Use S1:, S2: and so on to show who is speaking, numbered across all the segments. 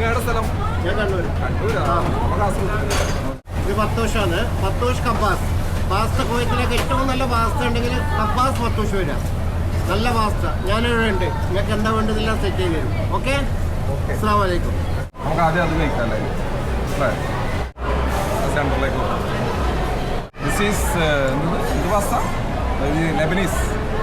S1: നിങ്ങളുടെ സ്ഥലം?
S2: ഞാൻ കണ്ണൂർ. ഇത് പത്തോഷാണ്. പത്തോഷ് കബ്ബാസ് പാസ്ത. കുവൈത്തിലേക്ക് ഏറ്റവും നല്ല പാസ്ത ഉണ്ടെങ്കിൽ കബ്ബാസ് പത്തോഷ് വരാം. നല്ല പാസ്ത ഞാനിവിടെ ഉണ്ട്. നിങ്ങൾക്ക് എന്താ വേണ്ടതെല്ലാം സെറ്റ് ചെയ്ത് തരും. ഓക്കെ, അസ്സലാമു അലൈക്കും.
S1: നമുക്ക് ആദ്യം അത് കഴിക്കാം അല്ലേ? സെൻറ്ററിലേക്ക് ദിസ് ഈസ് എന്ത് പാസ്ത? Lebanese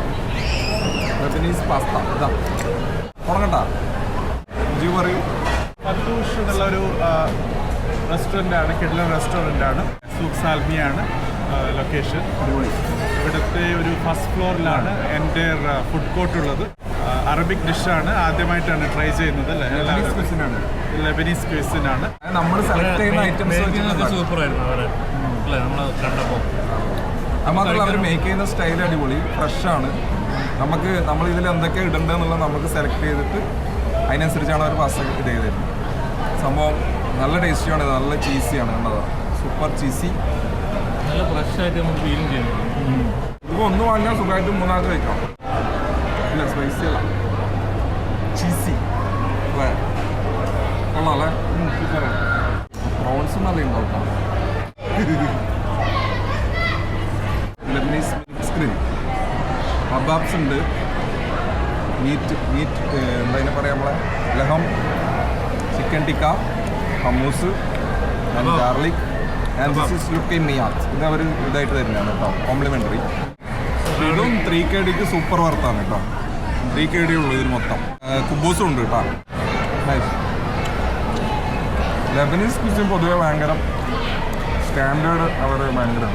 S1: pasta. ഇതാ തുടങ്ങണ്ട, ജി പറയൂ.
S3: പത്തൂഷ് എന്നുള്ളൊരു റെസ്റ്റോറൻ്റാണ്, കിഡ്ലൻ റെസ്റ്റോറൻ്റാണ്. സൂഖ് സാൽമിയാണ് ലൊക്കേഷൻ. ഇവിടുത്തെ ഒരു ഫസ്റ്റ് ഫ്ലോറിലാണ് എൻ്റെ ഫുഡ് കോർട്ട് ഉള്ളത്. അറബിക് ഡിഷാണ്, ആദ്യമായിട്ടാണ് ട്രൈ ചെയ്യുന്നത്. ലെബനീസ് ക്വിസിനാണ്.
S1: നമ്മൾ സെലക്ട് ചെയ്യുന്ന ഐറ്റംസ്
S4: സൂപ്പറായിരുന്നു അവരെ നമ്മൾ കണ്ടപ്പോൾ.
S1: മാത്രമല്ല അവർ മേക്ക് ചെയ്യുന്ന സ്റ്റൈൽ അടിപൊളി, ഫ്രഷാണ്. നമ്മളിതിൽ എന്തൊക്കെ ഇടേണ്ടതെന്നുള്ളത് നമുക്ക് സെലക്ട് ചെയ്തിട്ട് അതിനനുസരിച്ചാണ് അവർ പാസ്ത ഇത് ചെയ്തിരുന്നത്. സംഭവം നല്ല ടേസ്റ്റിയാണ്, നല്ല ചീസിയാണ്. കണ്ടത് സൂപ്പർ ചീസി,
S4: നല്ല ഫ്രഷായിട്ട് നമുക്ക് ഫീലും ചെയ്യുന്നു.
S1: ഇപ്പോൾ ഒന്ന് വാങ്ങിയാൽ സുഖമായിട്ട് മൂന്നാമത് കഴിക്കാം. ഇല്ല സ്പൈസി അല്ല, ചീസി കൊള്ളാം അല്ലേ? പ്രോൺസും നല്ല ഉണ്ടാവും. ലെബനീസ് മിക്സ് ഗ്രിൽ കബാബ്സ് ഉണ്ട്. മീറ്റ് എന്താ അതിനെ പറയാം, നമ്മളെ ലഹം, chicken tikka, hummus and garlic and this is looking മിയാത്ത്. ഇത് അവർ ഇതായിട്ട് തരുന്നതാണ് കേട്ടോ, കോംപ്ലിമെൻ്ററി. ഇതും 3KDക്ക് സൂപ്പർ വർത്താണ് കേട്ടോ. 3KD ഉള്ളൂ ഇതിന് മൊത്തം. കുബൂസും ഉണ്ട് കേട്ടോ. ലെബനീസ് ക്വിസിൻ പൊതുവെ ഭയങ്കര സ്റ്റാൻഡേർഡ്, അവർ ഭയങ്കരമാണ്.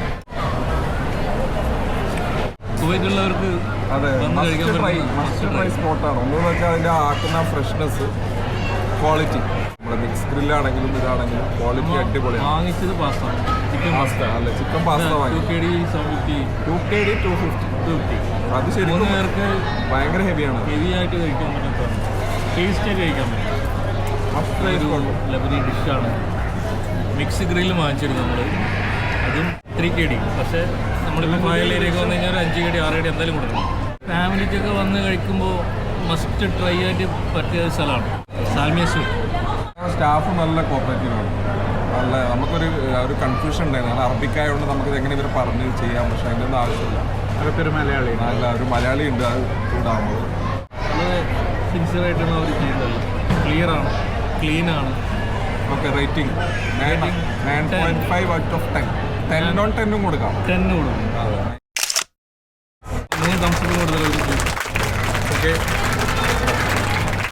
S4: കുവൈറ്റുള്ളവർക്ക്
S1: അതെ, മസ്റ്റ് ട്രൈ സ്പോട്ടാണ്. ഒന്നെന്ന് വെച്ചാൽ അതിൻ്റെ ആക്കുന്ന ഫ്രഷ്നെസ്, ക്വാളിറ്റി. നമ്മുടെ മിക്സ് ഗ്രില്ലാണെങ്കിലും ഇതാണെങ്കിലും ക്വാളിറ്റി അടിപൊളിയാണ്.
S4: വാങ്ങിച്ചത് പാസ്ത, ചിക്കൻ പാസ്ത
S1: അല്ല, ചിക്കൻ പാസ്ത വാങ്ങി
S4: 2KD 750,
S1: 2KD 250. അത് ശരിക്കും
S4: 3 പേർക്ക്
S1: ഭയങ്കര ഹെവിയാണ്.
S4: ഹെവി ആയിട്ട് കഴിക്കാൻ പറ്റും, ടേസ്റ്റായിട്ട് കഴിക്കാൻ പറ്റും. ഒരു ലെബനി ഡിഷാണ്. മിക്സ് ഗ്രില്ല് വാങ്ങിച്ചിരുന്നു നമ്മൾ, അതും 3KD. പക്ഷേ നമ്മളിപ്പോൾ ഫയൽ ഏരിയയൊക്കെ വന്നു കഴിഞ്ഞാൽ ഒരു 5KD 6KD എന്തായാലും കൊടുക്കണം. ഫാമിലിക്കൊക്കെ വന്ന് കഴിക്കുമ്പോൾ മസ്റ്റ് ട്രൈ ആയിട്ട് പറ്റിയ സ്ഥലമാണ് സാൽമിയ സ്വീറ്റ്.
S1: സ്റ്റാഫ് നല്ല കോപ്പറേറ്റീവാണ്. നല്ല ഒരു കൺഫ്യൂഷൻ ഉണ്ടായിരുന്നു. കാരണം അറബിക്കായതുകൊണ്ട് നമുക്കിത് എങ്ങനെ ഇവർ പറഞ്ഞ് ചെയ്യാം. പക്ഷേ അതിൻ്റെ ഒന്നും ആവശ്യമില്ല.
S3: അതൊരു മലയാളി,
S1: നല്ല ഒരു മലയാളി ഉണ്ട് അത് ഇതാകുമ്പോൾ.
S4: വളരെ സിൻസിയറായിട്ടാണ് അവർ ചെയ്യുന്നത്. ക്ലിയറാണ്, ക്ലീനാണ്.
S1: Okay, rating 9.5 out of 10. 10 on 10 കൊടുക്കാം.
S4: 10 കൊടുക്കും. 3 തംസപ്പ് കൊടുത്താൽ ഓക്കെ.